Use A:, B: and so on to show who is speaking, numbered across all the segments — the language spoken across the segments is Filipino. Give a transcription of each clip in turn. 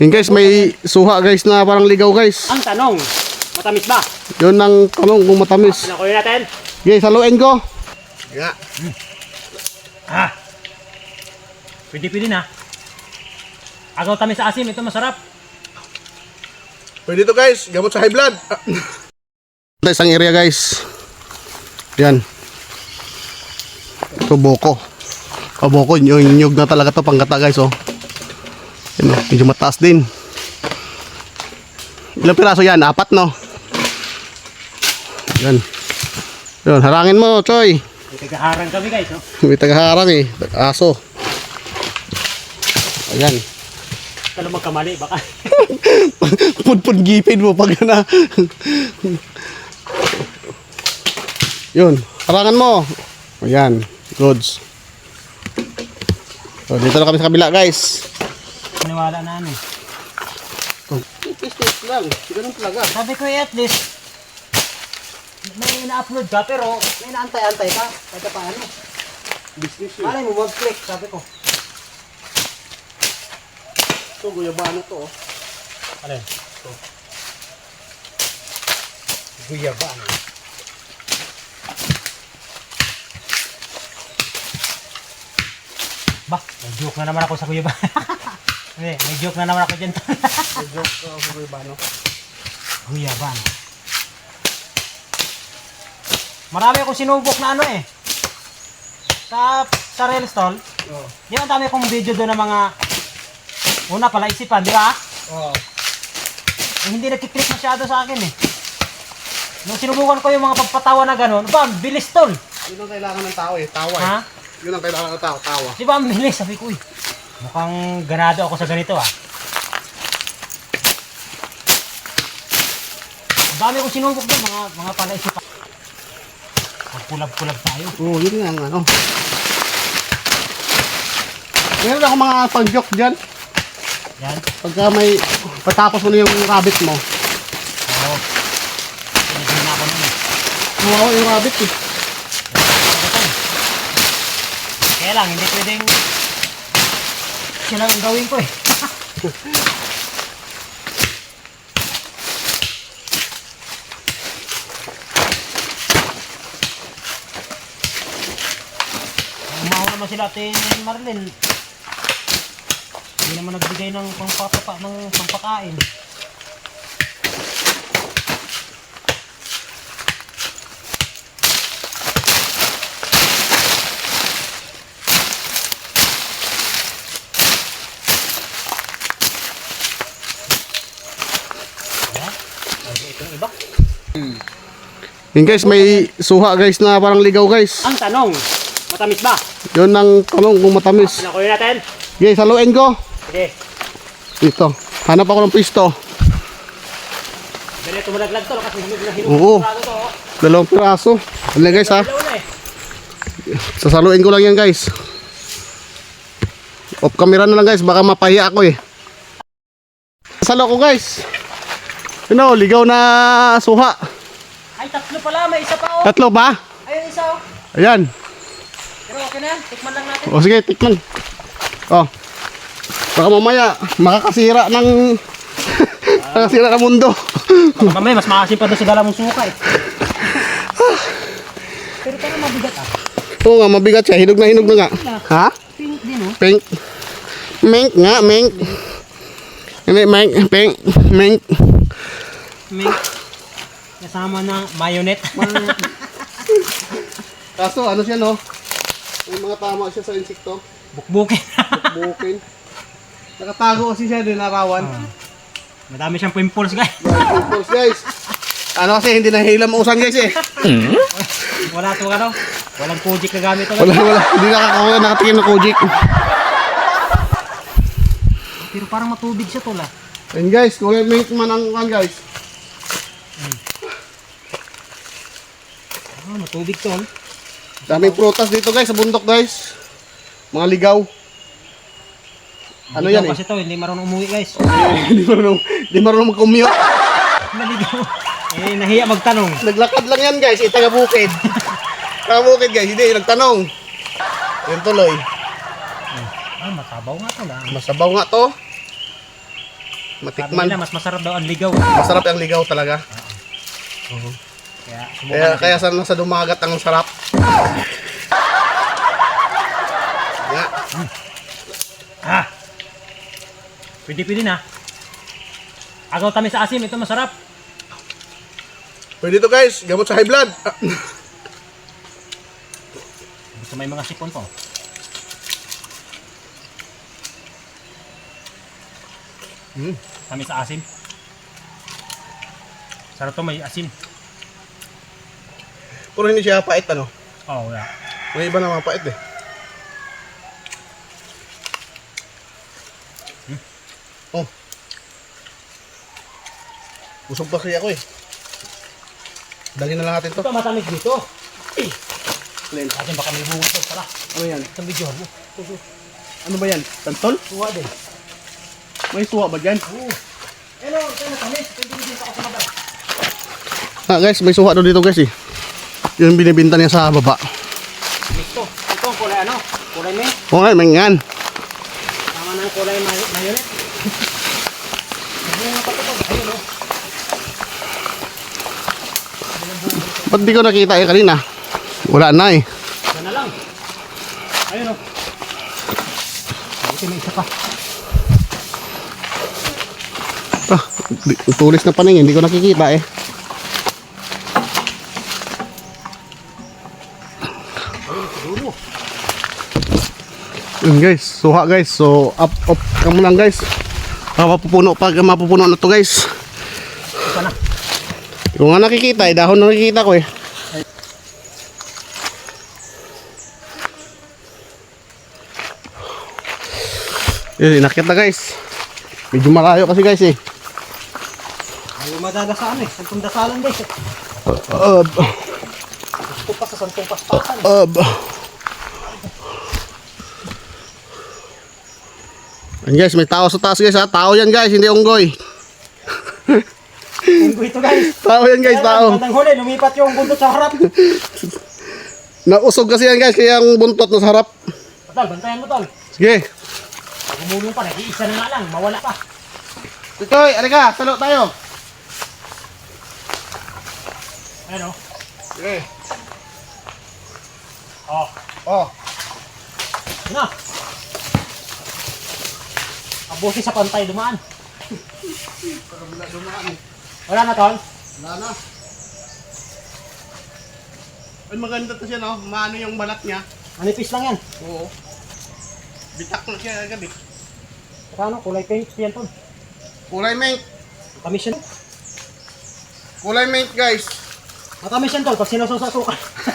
A: Yun guys, may suha guys na parang ligaw guys.
B: Ang tanong, matamis ba?
A: Yun ang tanong kung matamis.
B: Pinakuloy natin.
A: Guys, haluin ko.
B: Yeah. Pwede na. Agaw tamis sa asim, ito masarap.
A: Pwede to guys, gamot sa high blood. Isang area guys. Yan. Ito boko. Boko, yung nyug na talaga to panggata guys oh. Yan, medyo mataas din. Ilang piraso yan? 4 no? Yan. Yun, harangin mo Choy.
B: May tagaharang kami guys. No?
A: May tagaharang eh. Aso. Ayan.
B: Kala magkamali baka.
A: Pud gipid mo pag na. Yun, harangan mo. Ayan, goods. So, dito na kami sa kabila guys.
B: Paniwala na ano.
A: Test lang, ganun talaga.
B: Sabi ko at least may ina-upload ka pero may naantay-antay ka. Kahit paano.
A: Business yun.
B: Malay mo mag-click, sabi ko.
A: Ito, guyabano to oh.
B: Ano yun? Ito. Guyabano. Bah, may joke na naman ako sa guyabano. May joke na naman ako dyan.
A: May joke sa guyabano.
B: Guyabano. Marami akong sinubok na ano eh. Sa rail stall.
A: Oo.
B: Di ba ang dami akong video doon ng mga una pala isipan, di ba?
A: Oo.
B: Hindi nagkiklik masyado sa akin eh. Nung sinubukan ko yung mga pagpatawa na gano'n, ba, ang bilis tol.
A: Yun ang kailangan ng tao eh, tawa eh.
B: Ha?
A: Yun ang kailangan ng tao, tawa.
B: Di ba ang bilis? Sabi ko, mukhang ganado ako sa ganito ah. Ang dami kong sinubok doon, mga pala isipan. Magkulab-kulab tayo.
A: Oo, yun nga ano. Meron ako mga pag-joke dyan.
B: Yan.
A: Pagka may patapos mo na yung rabbit mo.
B: Oo. Pinigil na ako nun eh.
A: Nawawa yung rabbit eh.
B: Kaya lang, hindi pwedeng sila ang gawin ko eh. Umawa naman sila atin Marlene. Hindi naman nagbigay ng pampakain. Itong iba.
A: Yun guys, may suha guys na parang ligaw guys.
B: Ang tanong, matamis ba?
A: Yun ang tanong kung matamis.
B: Pinakuloy natin.
A: Guys, haluin ko.
B: Sige.
A: Ito, hanap ako ng pisto.
B: Ganito malaglag to kasi hinog na hinog.
A: Oo.
B: To.
A: 2 piraso. Ano guys ha?
B: Dalawa na eh.
A: Sasaluin ko lang yan guys. Off camera na lang guys, baka mapahiya ako eh. Salo ko guys. Yun o, ligaw na suha.
B: Ay, 3 pala. May isa pa oh.
A: 3 ba?
B: Ayun isa oh.
A: Ayan.
B: Pero okay na yan. Tikman lang natin.
A: O sige, tikman. O. Baka mamaya, makakasira ng makakasira ng mundo.
B: Baka mamaya mas makasin pa doon sa dala mong suka eh. Pero parang mabigat ah.
A: Oo nga, mabigat siya. Hinog na nga. Ha?
B: Pink din oh.
A: Pink. Mink nga, mink. Hindi, mink. Pink. Mink.
B: Mink. Kasama ng mayonnaise.
A: Kaso, ano siya no? May mga tama siya sa insekto.
B: Bukbukin.
A: Bukin. Nakatago kasi siya din narawan.
B: Madami siyang pimples guys.
A: Pimples guys. Ano kasi hindi nahilam usan guys eh.
B: Wala to ano. Walang Kojic na gamit to.
A: Wala. Hindi nakatikim ng Kojic.
B: Pero parang matubig siya to lah.
A: And guys, kung may man ang guys.
B: Ah, matubig to.
A: Daming prutas dito guys sa bundok guys. Mga ligaw. Ano yan eh?
B: Kasi to, hindi marunong umuwi guys.
A: Hindi marunong mag-commute.
B: Maligaw. Eh, nahiya magtanong.
A: Naglakad lang yan guys, taga-bukid. Taga-bukid guys, hindi, nagtanong. Yan tuloy.
B: Ah, matabaw nga to lang.
A: Masabaw nga to.
B: Sabi
A: matikman.
B: nila, mas masarap daw ang ligaw.
A: Masarap ang ligaw talaga.
B: Kaya, subukan
A: Kaya
B: natin.
A: sa dumagat ang sarap. Nga.
B: Ah! Pwede na. Agaw tamis sa asim, ito masarap.
A: Pwede to guys, gamot sa high blood.
B: Gusto may mga sipon po. Tamis sa asim. Sarap to, may asin.
A: Puro hindi siya pait ano.
B: Oh, wala.
A: May iba naman pait eh. Oh. Busog pa kasi ako eh. Dali na lang natin to.
B: Ito matamis dito.
A: Len.
B: Atin baka may bunga ito pala.
A: Ano yan?
B: Itong video mo.
A: Ano ba yan? Tantol?
B: Suwa din.
A: May suwa ba dyan?
B: Oo. Hello, ito matamis. Ito din ako sa mabal.
A: Ah guys, may suwa daw dito guys eh. Yung binibinta niya sa baba.
B: Ito. Ito ang kulay ano? Kulay may.
A: Okay, may ngan.
B: Tama na ang kulay mayonnaise. Ayun nga patutog. Ayun o.
A: Ba't di ko nakita eh kanina? Wala na eh.
B: Yan na lang. Ayun o. Ito may isa pa.
A: Ah, tulis na paningin, hindi ko nakikita eh.
B: Dulo.
A: Yun guys, suha guys. So up kamo lang guys. Mapupuno pag mapupuno na to guys.
B: Isa na.
A: Kung nga nakikita eh, dahon na nakikita ko eh. Inakit na guys. Medyo malayo kasi guys eh.
B: Ayaw madadasaan eh. Santong dasalan guys eh. Gusto pa sa santong paspasan.
A: Yan guys, may tao sa taas guys ha. Tao yan guys, hindi unggoy.
B: Unggo ito guys.
A: Tao yan guys, tao.
B: Bandang huli, lumipat yung bundot sa harap.
A: Nausog kasi yan guys, kaya ang buntot na sa harap.
B: Tol, bantayan mo tol.
A: Sige.
B: Pag umulong pa, nag-iisa na nga lang, mawala pa.
A: Titoy, alika, salo tayo.
B: Ayun o.
A: Sige.
B: Oh.
A: Oh.
B: Yun na. Abusi sa pantay, dumaan. Wala na tol.
A: Wala na. Ay, maganda to siya no, maano yung balat niya.
B: Manipis lang yan.
A: Oo. Bitak na siya agad eh.
B: Saka ano, kulay pink yan tol.
A: Kulay mink.
B: Matamis yan.
A: Kulay mink guys.
B: Matamis yan tol, pag sinusasuka.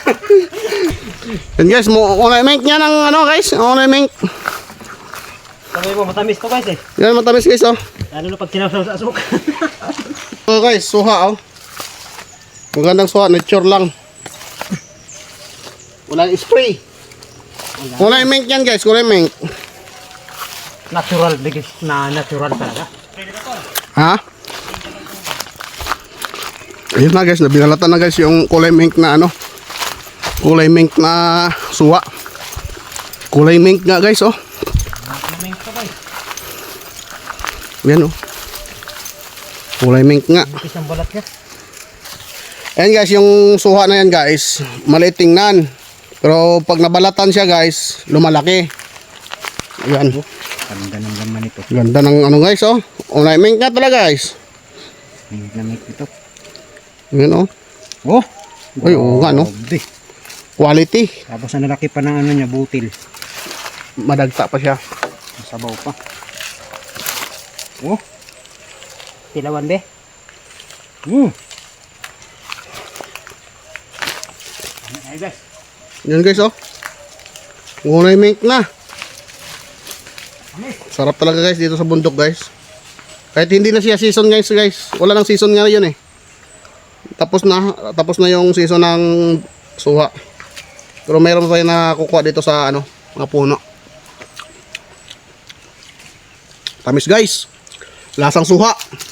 A: Yan guys, kulay mink niya ng ano guys, kulay mink.
B: Sabi mo, matamis to guys eh.
A: Yan matamis guys oh.
B: Lalo na pag sinusasuka.
A: So guys, suha oh. Magandang suha, nature lang. Walang spray. Kulay mink yan guys, kulay mink.
B: Natural, bigis na natural talaga.
A: Ha? Ayun na guys, nabinalatan na guys yung kulay mink na ano. Kulay mink na suha. Kulay mink nga guys oh.
B: Mink to guys.
A: Yan oh. Kulay mink nga.
B: Manipis ang balat niya.
A: Ayan guys, yung suha na yan guys, maliit tingnan. Pero pag nabalatan siya guys, lumalaki. Ayan.
B: Ganda ng laman ito.
A: Ganda ng ano guys oh. Kulay mink nga talaga guys.
B: Mink na mink ito.
A: Ayan oh.
B: Oh!
A: Ay, oo nga no.
B: Grabe.
A: Quality.
B: Tapos ang lalaki pa ng ano niya, butil.
A: Madagta pa siya.
B: Masabaw pa. Oh! Tilawan be? Ay guys.
A: Yan guys oh. Kulay mink na. Sarap talaga guys dito sa bundok guys. Kahit hindi na siya season guys guys. Wala nang season nga yun eh. Tapos na yung season ng suha. Pero mayroon pa tayo na kukuha dito sa ano, mga puno. Tamis guys. Lasang suha.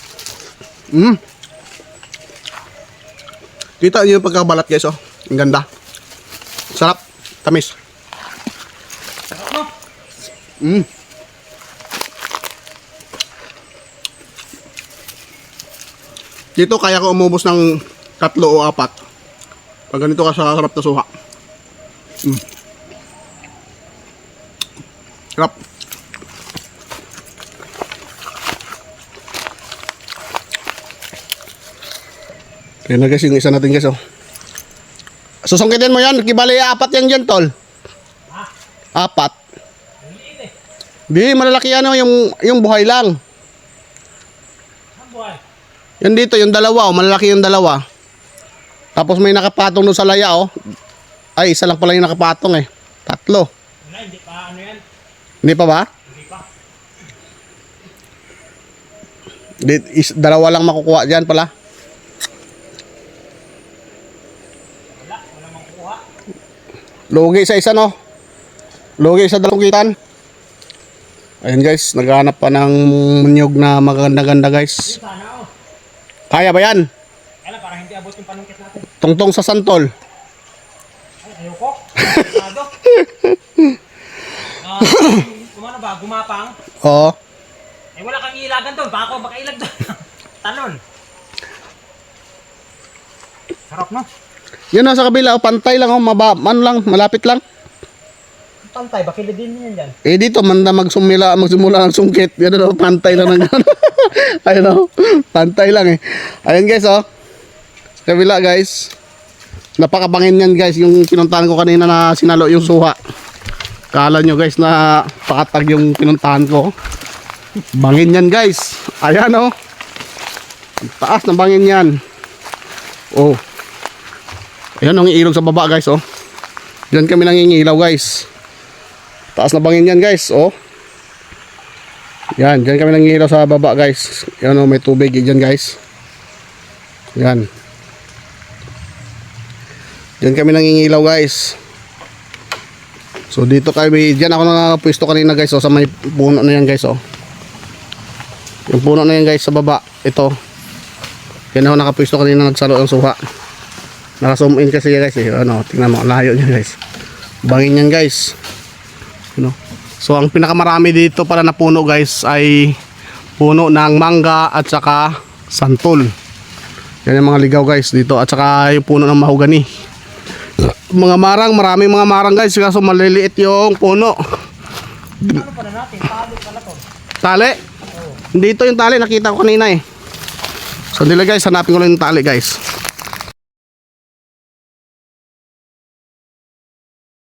A: Kita niyo yung pagkabalat guys oh. Ang ganda. Sarap. Tamis. Dito kaya ko umubos ng 3 o 4. Pag ganito ka sa harap na suha. Sarap. Kaya na guys, yung isa natin guys, oh. Susungkitin mo yan, kibali 4 yan dyan, tol. 4. Di, malalaki yan, oh, yung buhay lang.
B: Ang buhay.
A: Yan dito, yung dalawa, oh, malalaki yung dalawa. Tapos may nakapatong doon sa laya, oh. Ay, isa lang pala yung nakapatong, eh. 3.
B: Wala, hindi pa ano yan.
A: Hindi pa ba?
B: Hindi pa.
A: Dalawa lang makukuha dyan pala.
B: Wala makukuha.
A: Lugi sa isa, no? Lugi sa dalawang kitan. Ayun guys, naghahanap pa ng munyog na maganda-ganda guys.
B: Sana oh.
A: Kaya ba yan?
B: Kaya para hindi abot yung panungkit natin.
A: Tungtong sa santol.
B: Ay, ayoko. Masyado. Kumano ba? Gumapang?
A: Oo.
B: Eh wala kang ilagan doon. Baka ako makailag doon. Talon. Sarap no?
A: Yan nasa kabila, oh, pantay lang, oh, malapit lang.
B: Pantay, bakit din yan dyan?
A: Eh dito, magsimula ng sungkit. Yan oh, pantay lang ng gano'n. Ayun oh, pantay lang eh. Ayun guys, oh. Sa kabila guys. Napakabangin yan guys, yung pinuntahan ko kanina na sinalo yung suha. Kala nyo guys na pakatag yung pinuntahan ko. Bangin yan guys. Ayan oh. Ang taas na bangin yan. Oh. Ayan ang iilog sa baba guys oh. Diyan kami nangingilaw guys. Taas na bangin yan guys oh. Yan, diyan kami nangingilaw sa baba guys. Yan oh, may tubig diyan guys. Yan. Diyan kami nangingilaw guys. So dito kami, diyan ako nakapwesto kanina guys oh, sa may puno na yan guys oh. Yung puno na yan guys sa baba. Ito. Yan ako nakapwesto kanina nagsalo ng suha. Naka-zoom in kasi guys eh. Ano, tingnan mo, layo niya guys. Bangin yan guys. You know? So ang pinakamarami dito para na puno guys ay puno ng mangga at saka santol. Yan yung mga ligaw guys dito at saka yung puno ng mahogani. Mga marang, maraming mga marang guys kaso maliliit yung puno.
B: Ano pa na natin? Tali pala to.
A: Tali?
B: Oo.
A: Dito yung tali, nakita ko kanina eh. So nila guys, hanapin ko lang yung tali guys.